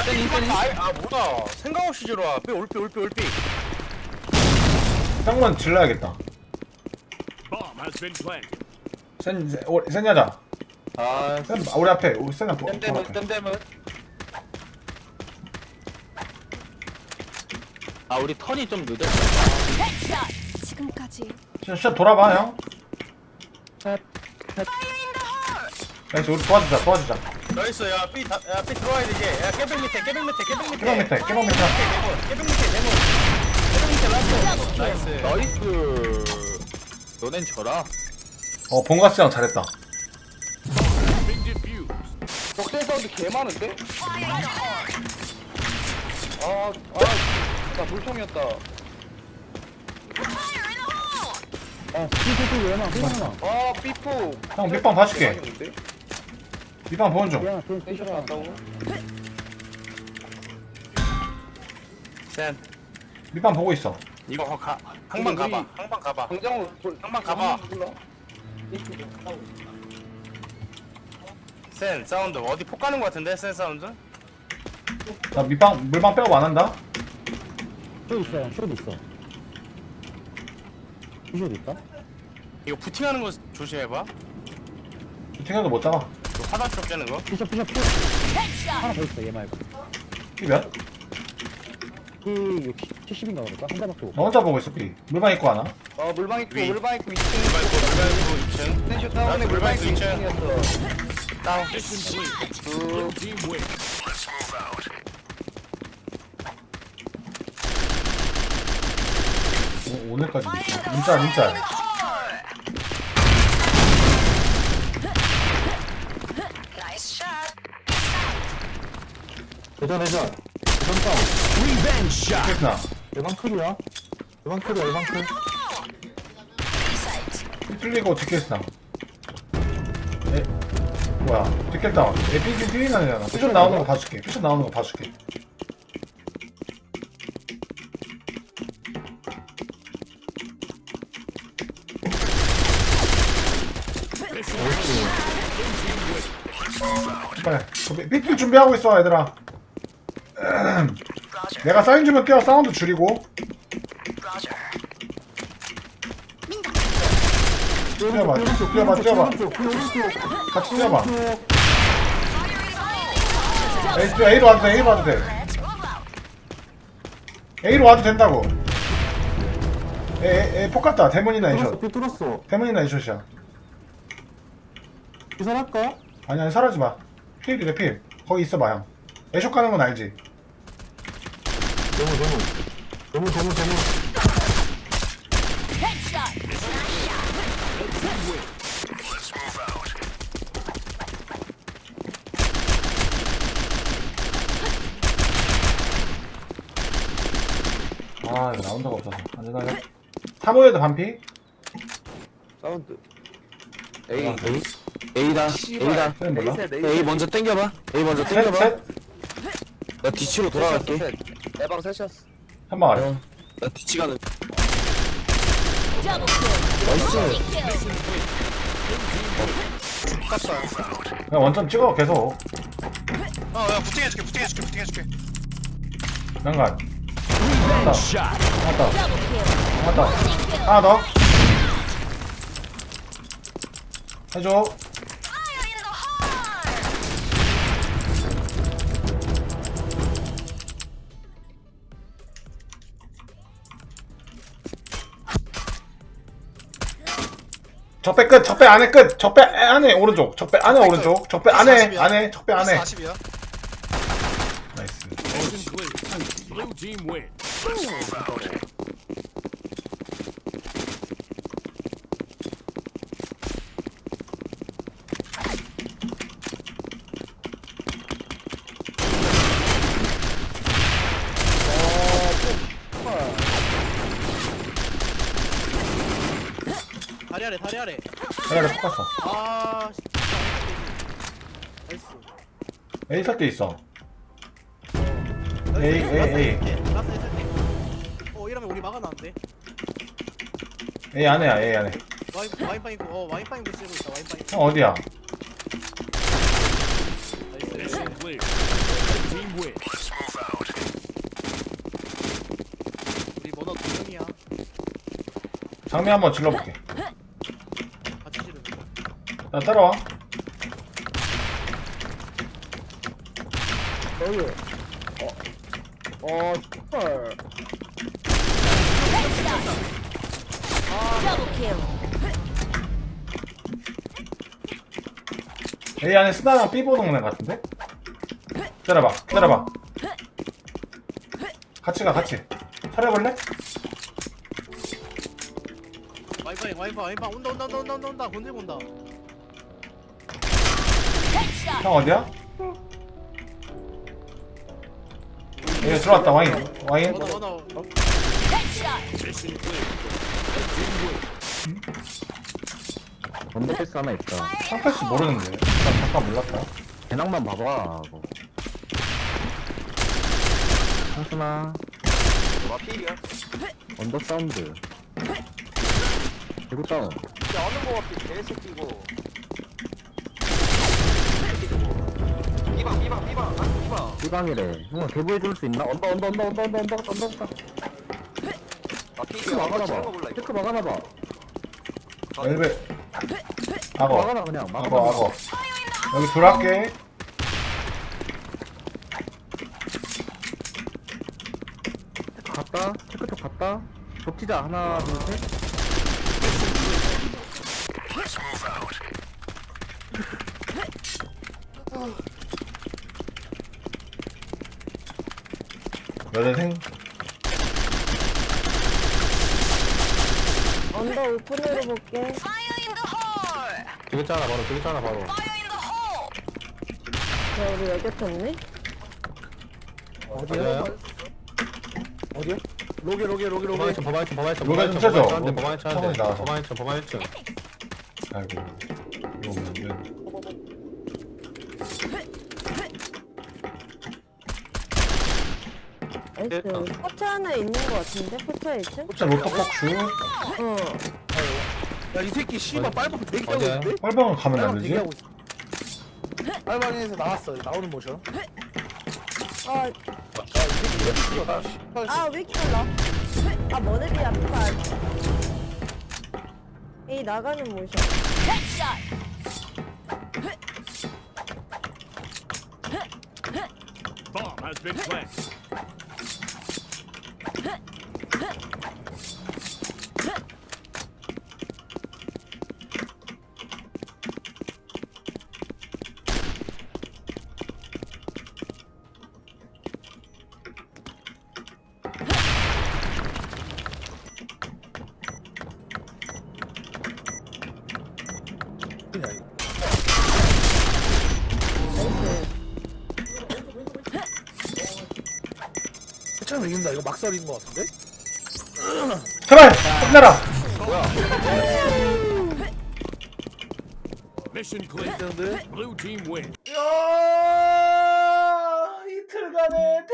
아 뭐야 생각 없이 들어와. 삐 올삐 쌍문 질러야겠다. 센 여자. 아 센 우리 앞에 우리 센 앞에. 땜땜은 아 우리 턴이 좀 늦었어. 지금까지 진짜 돌아봐 형. 나이스 우리 도와주자. 나이스 야삐 들어와야 되지. 야 깨병 밑에 깨방 밑에. 깨병 밑에 라스트. 나이스 너넨 져라. 본가스 형 잘했다. 적대 사운드 개 많은데? 나 물통이었다. 삐포. 형 밑방 봐줄게. 밑방 보는 중. 텐션 났다고? 센 밑방 보고 있어. 이거 항만 가봐. 항만 가봐. 센 사운드 어디 폭 가는 거 같은데? 센 사운드? 나 밑방 물방 빼고 안 한다. 쇼 있어요. 쇼도 있어. 쇼도 있다. 이거 부팅하는 거 조심해봐. 탱겨도 못 잡아. 이거 화장실 없자는 거? 피셔. 하나 더 있어. 얘 말고. 이 몇? 이 70인가 그럴까? 한 대밖에 못. 나 혼자 보고 있어. 삐. 물방 입고 하나. 물방 있고 2층. 물방 있고 2층. 텐션 다운에 물방 있고 2층이었어. 다운. 오늘까지 문자. 대전 싸움. 됐나? 예방 클이야. 예방 클. 뚫리고 뒷캐스나. 뭐야? 뒷캐스 나와. 삐 나잖아. 삐 나오는 거 봐줄게. 빨리. 삐 준비하고 있어 얘들아. 내가 사인 주면 뛰어. 사운드 줄이고. 뛰어봐. 같이 뛰어봐. A로 와도 돼. A로 와도 된다고. 폭 갔다. 대문이나 이숏. 뚫었어. 대문이나 이숏이야. 기선할까? 아니 사라지 마. 필이래 필. 거기 있어봐 형. 애쇼 가는 건 알지? 너무. 아 이거 라운드가 없어서 안되나요? 3호에도 반피? 사운드. A다. 쟤는 몰라? A 먼저 땡겨봐. 셋? 나 뒤치로 돌아갈게. 대방 셋이었어. 한방 아래. 나 뒤치 가는. 그냥 원점 찍어 계속. 야 부팅해줄게. 난간. 맞다. 하나 더. 해줘. 적배 끝. 적배 안에 끝. 적배 안에 오른쪽. 적배 안에 오른쪽. 적배 안에. 적배 안에. 40이야. 나이스. Blue team win. 다리 아래. 내가 폭 갔어. 아, 나이스. A 살 때 있어. 나이스. A. 라스 했을 때. 이러면 우리 막아놨는데. A 안에야. A 안에. 와인빵 있고, 와인빵 있고 쓰고 있다. 와인빵 있고. 형 어디야? 나이스. Mission clear. Red team win. 장미 한번 질러볼게. 같이 지르. 나 따라와. 여기. 헐. Double kill. A 안에 스나랑 B 보는 애 같은데? 기다려봐. 같이 가, 같이. 차려볼래? 와인팡 온다 건들고 온다. Headshot. 형 어디야? 여기 들어왔다, 와인. 원어. Headshot. Mission clear. Red team wins. 언더패스 하나 있다. 상패스 모르는데. 나 잠깐 몰랐다. 배낭만 봐봐. 하스나. 와 필이야. 언더 사운드. 대구 다운. 어느 거 같아 개새끼고. 삐방. 삐방이래. 형아 개보해줄 수 있나? 언더. 아 테크 필이야. 막아놔봐. 테크 막아놔봐. 엘베. 악어. 막아놔 그냥. 악어. 여기 들어갈게. 테크 갔다. 테크 쪽 갔다. 덮치자. 하나 둘 셋. 여대생. 언더 오픈으로 볼게. Fire in the hole. 되겠잖아 바로. Fire in the hole. 야, 우리 여기 켰네? 어디야? 어디야? 로게. 로게 좀 쳐줘. 처음에 나와서. 아이고. 이거 왜. 나이스. 포차 하나 있는 거 같은데? 포차 1층? 진짜 로터폭슈. 어. 야이 새끼 씨발 빨방 대기하고 있는데? 빨방을 가면 안 되지? 빨방에서 나왔어. 나오는 모션. 왜 이렇게 달라? 머리비 아파. 에이, 나가는 모션. Headshot. Bomb has been planted. 참 이긴다. 이거 막살인 거 같은데? 제발! 끝내라! Mission clear. Blue team wins. 이틀간의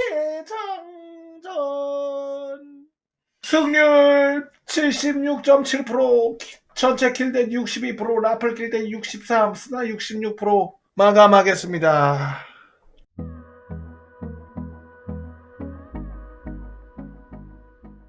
대장전. 승률 76.7%, 전체 킬대 62%, 라플 킬대 63, 스나 66% 마감하겠습니다.